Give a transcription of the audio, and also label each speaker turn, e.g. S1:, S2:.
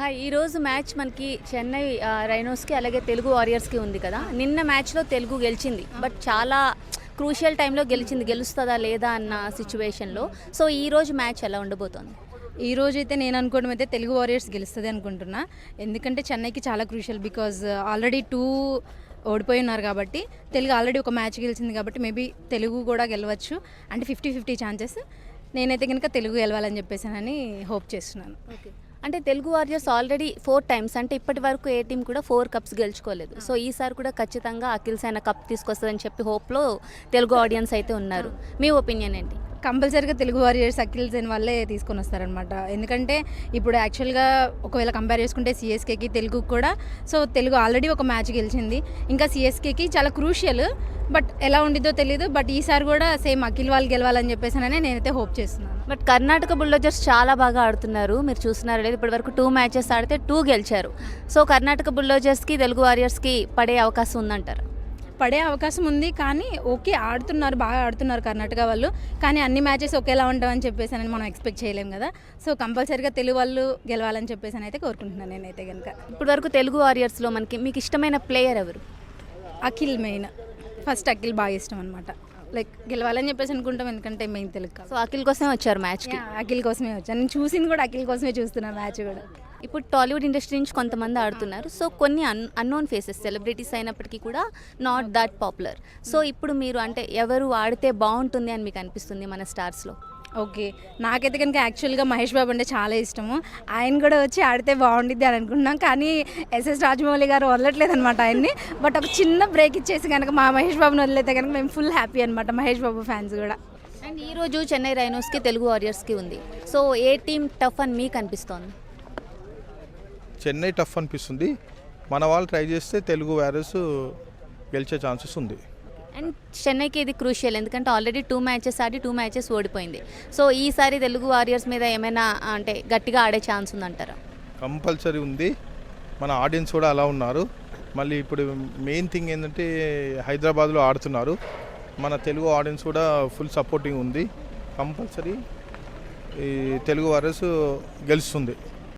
S1: ఈరోజు మ్యాచ్ మనకి చెన్నై రైనోస్కి అలాగే తెలుగు వారియర్స్కి ఉంది కదా. నిన్న మ్యాచ్లో తెలుగు గెలిచింది, బట్ చాలా క్రూషియల్ టైంలో గెలుస్తుందా లేదా అన్న సిచ్యువేషన్లో. సో ఈరోజు మ్యాచ్ ఎలా ఉండబోతోంది?
S2: ఈ రోజు అయితే నేను అనుకోవడం అయితే తెలుగు వారియర్స్ గెలుస్తుంది అనుకుంటున్నా. ఎందుకంటే చెన్నైకి చాలా క్రూషియల్, బికాజ్ ఆల్రెడీ 2 ఓడిపోయి ఉన్నారు కాబట్టి, తెలుగు ఆల్రెడీ ఒక మ్యాచ్ గెలిచింది కాబట్టి మేబీ తెలుగు కూడా గెలవచ్చు. అంటే 50-50 ఛాన్సెస్. నేనైతే కనుక తెలుగు గెలవాలని చెప్పేసానని హోప్ చేస్తున్నాను.
S1: ఓకే, అంటే తెలుగు వారియర్స్ ఆల్రెడీ 4 టైమ్స్, అంటే ఇప్పటి వరకు ఏ టీం కూడా 4 కప్స్ గెలుచుకోలేదు. సో ఈసారి కూడా ఖచ్చితంగా అఖిల్ సేన కప్ తీసుకొస్తుందని చెప్పి హోప్లో తెలుగు ఆడియన్స్ అయితే ఉన్నారు. మీ ఒపీనియన్ ఏంటి?
S2: కంపల్సరీగా తెలుగు వారియర్స్ అఖిల్ సేన్ వాళ్ళే తీసుకొని వస్తారనమాట. ఎందుకంటే ఇప్పుడు యాక్చువల్గా ఒకవేళ కంపేర్ చేసుకుంటే సిఎస్కేకి తెలుగు కూడా, సో తెలుగు ఆల్రెడీ ఒక మ్యాచ్ గెలిచింది, ఇంకా సిఎస్కేకి చాలా క్రూషియల్. బట్ ఎలా ఉండిద్దో తెలియదు. బట్ ఈసారి కూడా సేమ్ అఖిల్ వాళ్ళు గెలవాలని చెప్పేసానని నేనైతే హోప్ చేస్తున్నాను.
S1: బట్ కర్ణాటక బుల్డోజర్స్ చాలా బాగా ఆడుతున్నారు. మీరు చూస్తున్నారు లేదు, ఇప్పటి వరకు 2 మ్యాచెస్ ఆడితే 2 గెలిచారు. సో కర్ణాటక బుల్డోజర్స్కి తెలుగు వారియర్స్కి పడే అవకాశం ఉందంటారు?
S2: పడే అవకాశం ఉంది, కానీ ఓకే ఆడుతున్నారు, బాగా ఆడుతున్నారు కర్ణాటక వాళ్ళు. కానీ అన్ని మ్యాచెస్ ఒకేలా ఉంటామని చెప్పేసి మనం ఎక్స్పెక్ట్ చేయలేం కదా. సో కంపల్సరీగా తెలుగు వాళ్ళు గెలవాలని చెప్పేసి అయితే కోరుకుంటున్నాను నేనైతే కనుక.
S1: ఇప్పటి వరకు తెలుగు వారియర్స్లో మీకు ఇష్టమైన ప్లేయర్ ఎవరు?
S2: అఖిల్ మెయిన్. ఫస్ట్ అఖిల్ బాగా ఇష్టం అనమాట. లైక్ గెలవాలని చెప్పేసి అనుకుంటాం, ఎందుకంటే మెయిన్ తెలుగు కాదు.
S1: సో అఖిల్ కోసమే వచ్చారు మ్యాచ్కి?
S2: అఖిల్ కోసమే వచ్చాను. నేను చూసింది కూడా అఖిల్ కోసమే చూస్తున్నాను మ్యాచ్ కూడా.
S1: ఇప్పుడు టాలీవుడ్ ఇండస్ట్రీ నుంచి కొంతమంది ఆడుతున్నారు. సో కొన్ని అన్నోన్ ఫేసెస్, సెలబ్రిటీస్ అయినప్పటికీ కూడా నాట్ దట్ పాపులర్. సో ఇప్పుడు మీరు అంటే ఎవరు ఆడితే బాగుంటుంది అని మీకు అనిపిస్తుంది మన స్టార్స్లో?
S2: ఓకే, నాకైతే కనుక యాక్చువల్గా మహేష్ బాబు అంటే చాలా ఇష్టము. ఆయన కూడా వచ్చి ఆడితే బాగుండిద్ది అని అనుకుంటున్నాం, కానీ ఎస్ఎస్ రాజమౌళి గారు వదలట్లేదు అనమాట ఆయన్ని. బట్ ఒక చిన్న బ్రేక్ ఇచ్చేసి కనుక మా మహేష్ బాబుని వదిలేతే కనుక మేము ఫుల్ హ్యాపీ అనమాట, మహేష్ బాబు ఫ్యాన్స్ కూడా.
S1: అండ్ ఈరోజు చెన్నై రైనోస్కి తెలుగు వారియర్స్కి ఉంది. సో ఏ టీం టఫ్ అని మీకు అనిపిస్తోంది?
S3: చెన్నై టఫ్ అనిపిస్తుంది. మన వాళ్ళు ట్రై చేస్తే తెలుగు వారియర్స్ గెలిచే ఛాన్సెస్ ఉంది.
S1: అండ్ చెన్నైకి ఇది క్రూషియల్, ఎందుకంటే ఆల్రెడీ 2 మ్యాచెస్ ఆడి 2 మ్యాచెస్ ఓడిపోయింది. సో ఈసారి తెలుగు వారియర్స్ మీద ఏమైనా అంటే గట్టిగా ఆడే ఛాన్స్ ఉందంటారా?
S3: కంపల్సరీ ఉంది. మన ఆడియన్స్ కూడా అలా ఉన్నారు. మళ్ళీ ఇప్పుడు మెయిన్ థింగ్ ఏంటంటే హైదరాబాద్లో ఆడుతున్నారు. మన తెలుగు ఆడియన్స్ కూడా ఫుల్ సపోర్టింగ్ ఉంది. కంపల్సరీ ఈ తెలుగు వారియర్స్ గెలుస్తుంది.